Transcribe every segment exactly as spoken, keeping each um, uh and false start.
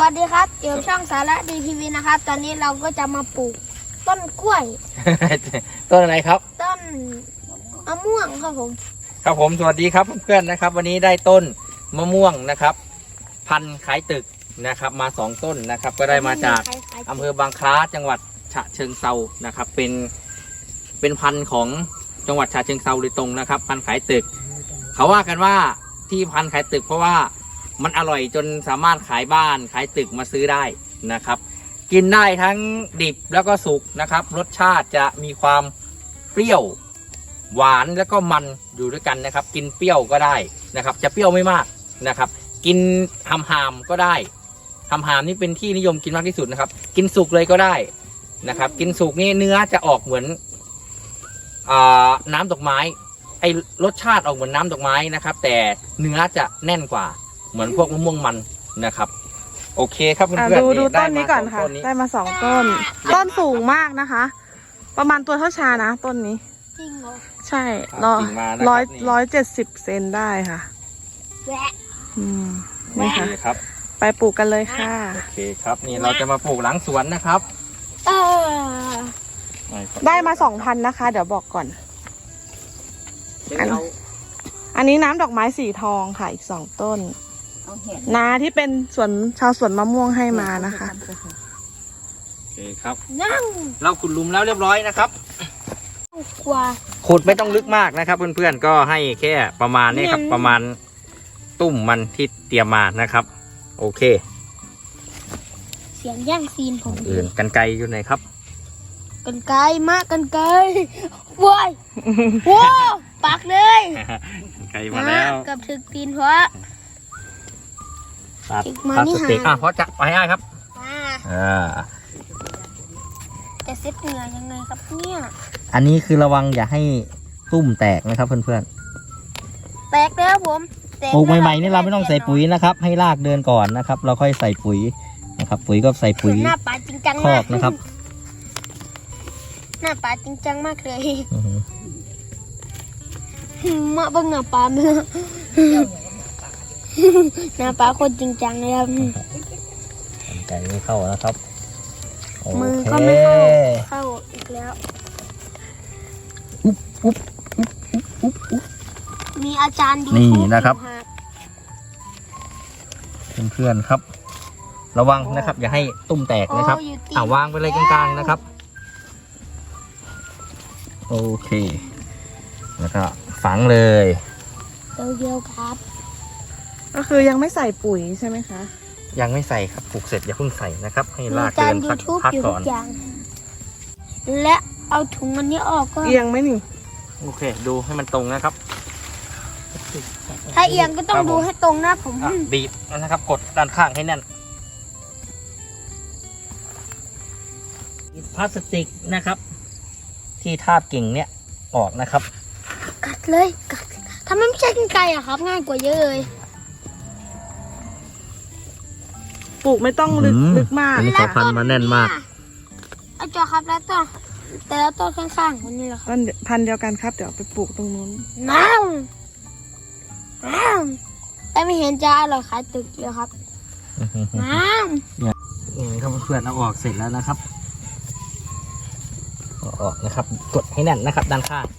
วัสดีครับเกี่ยวช่องสาระดีทีวีนะครับตอนนี้เราก็จะมาปลูกต้นกล้วยต้นอะไรครับต้นมะม่วงครับผมครับผมสวัสดีครับเพื่อนๆนะครับ วันนี้ได้ต้นมะม่วงนะครับ พันธุ์ขายตึกนะครับมาสองต้นนะครับ ก็ได้มาจากอำเภอบางคล้าจังหวัดฉะเชิงเซานะครับ เป็นเป็นพันธุ์ของจังหวัดฉะเชิงเซาโดยตรงนะครับ พันธุ์ขายตึก เขาว่ากันว่าที่พันธุ์ขายตึกเพราะว่ามันอร่อยจนสามารถขายบ้านขายตึกมาซื้อได้นะครับ กินได้ทั้งดิบแล้วก็สุกนะครับ รสชาติจะมีความเปรี้ยวหวานแล้วก็มันอยู่ด้วยกันนะครับ กินเปรี้ยวก็ได้นะครับ จะเปรี้ยวไม่มากนะครับ กินหำหามก็ได้หำหามนี่เป็นที่นิยมกินมากที่สุดนะครับ กินสุกเลยก็ได้นะครับ กินสุกนี่เนื้อจะออกเหมือนอ่าน้ำดอกไม้ไอรสชาติออกเหมือนน้ำดอกไม้นะครับ แต่เนื้อจะแน่นกว่าเหมือนพวกมะม่วงมันนะครับ โอเคครับเพื่อนๆดูดูได้ต้นนี้ก่อนค่ะมาสงต้ได้มาสองต้น ต้นสูงมากนะคะ ประมาณตัวเท่าชานะต้นนี้จริงเหรอใช่ร้อยร้อยร้อยเจ็ดสิบเซนได้ค่ะแหวะอืมโอนี่เคค่ะครับไปปลูกกันเลยค่ะโอเคครับนี่เราจะมาปลูกหลังสวนนะครับเออได้มาสองพันนะคะ เดี๋ยวบอกก่อน อันเราอันนี้น้ำดอกไม้สีทองค่ะอีกสองต้น นาที่เป็นสวนชาวสวนมะม่วงให้มานะคะโอเคครับนั่งเราขุดหลุมแล้วเรียบร้อยนะครับกว่าขุดไม่ต้องลึกมากนะครับ เพื่อนๆก็ให้แค่ประมาณนี้ครับเนี่ยประมาณตุ่มมันที่เตรียมมานะครับ โอเคเสียงย่างซีนผมอื่นกันไกลอยู่ไหนครับกันไกลมากกันไกลว้ายโว้ปักเลยกันไกลมาแล้วเกับถึงตีนเพราะตัดอีกมาพลานี่สติกหาอ่ะเพราะจะไปให้ครับอ่าอ่าจะเซ็ตเหงื่อยังไงครับเนี่ยอันนี้คือระวังอย่าให้ตุ่มแตกนะครับเพื่อนแตกแล้วผมแตๆปลูกใหม่ๆนี่เราไม่ต้องใส่ปุ๋ยนะครับ ให้รากเดินก่อนนะครับ เราค่อยใส่ปุ๋ยนะครับ ปุ๋ยก็ใส่ปุ๋ยหน้าป่าจริงจังคอมากกนะครับหน้าป่าจริงจังมากเลยอือฮึมาเบิ่งหน้าป่าเมื่อหน้าป่าคนจริงจังเลยครับกันไกลไม่เข้านะครับโอมือเคก็ไม่เข้าเข้าอีกแล้วอุ๊บอุ๊บมีอาจารย์ดูนี่ทูนะครับอยู่เพื่อนๆครับ ระวังนะครับ อย่าให้ตุ่มแตกนะครับโอ้อยู่ติดอ่าวางไปเลยกลางๆนะครับ โอเค แล้วก็ฝังเลยเดียวๆครับก็คือยังไม่ใส่ปุ๋ยใช่ไหมคะยังไม่ใส่ครับปลูกเสร็จอย่าเพิ่งใส่นะครับ ให้มีรากอาจาเดิรนย์ยูสักทูบพักอยู่ก่ทุอนกอย่าง และเอาถุงอันนี้ออกก็เอียงไหมนี่โอเค ดูให้มันตรงนะครับถ้าเอียงก็ต้องดูให้ตรงนะผมอ่ะบีบนะครับ กดด้านข้างให้แน่นพลาสติกนะครับ ที่ทาบกิ่งเนี่ยออกนะครับกัดเลยกัดถ้ามันไม่ใช่กรรไกรอะครับ ง่ายกว่าเยอะเลยปลูกไม่ต้องลึกอืมลึกมากอันนี้ค่ะพันธุ์มาแน่นมากเอาจอครับแล้วต้นแต่แล้วต้นข้างๆคนนี้แหละครับต้นพันธุ์เดียวกันครับ เดี๋ยวไปปลูกตรงนู้นน้ำน้ำแต่ไม่เห็นจะอร่อยขายตึกเลยครับน้นี่ครับเพื่อนเอาออกเสร็จแล้วนะครับเอาออกนะครับ กดให้แน่นนะครับ ด้านข้าง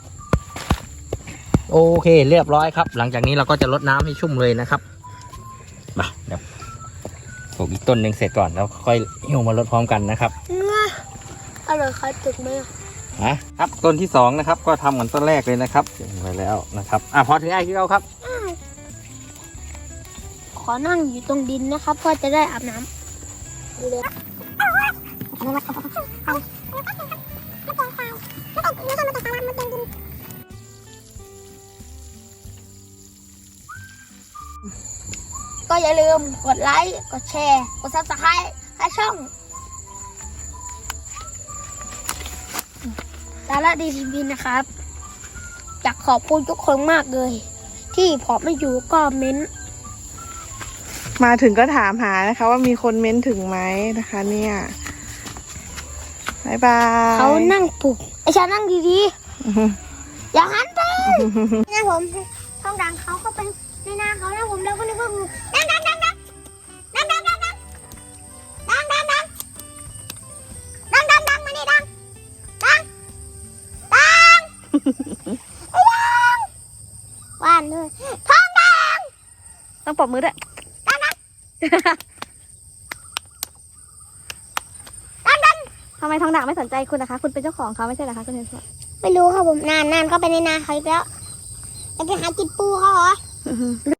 โอเค เรียบร้อยครับ หลังจากนี้เราก็จะลดน้ำให้ชุ่มเลยนะครับมาเดี๋ยวปลูกอีกต้นหนึ่งเสร็จก่อนแล้วค่อยหิ้วมาลดพร้อมกันนะครับำอร่อยขายตึกไหมอะนะครับต้นที่สองนะครับ ก็ทำเหมือนต้นแรกเลยนะครับเสร็จไปแล้วนะครับอ่ะพอถึงไอ้ที่เราครับขอนั่งอยู่ตรงดินนะครับเพื่อจะได้อาบน้ำดูเลยก็อย่าลืมกดไลค์ กดแชร์ กดซับสไครต์ให้ช่องสาระดีทีวีนะครับ อยากขอบคุณทุกคนมากเลย ที่พอไม่อยู่ก็เม้นมาถึงก็ถามหานะคะ ว่ามีคนเม้นถึงไหมนะคะ เนี่ยบายบายเขานั่งปลุกไอชานั่งดีๆ อย่าหันไปนะผมช่องดังเขาก็เป็นในหน้าเขานะผมแล้วก็นึกว่างูดังดังดังดังดังดังดังดังว่านด้วยท้องแดงต้องปรบมือด้วย ทำไมทองด่างไม่สนใจคุณนะคะ คุณเป็นเจ้าของเขาไม่ใช่เหรอคะคุณเทนสไม่รู้ครับผมนานนานเข้าไปในนาเขาอีกแล้วจะไปหากินปูเขาเหรอ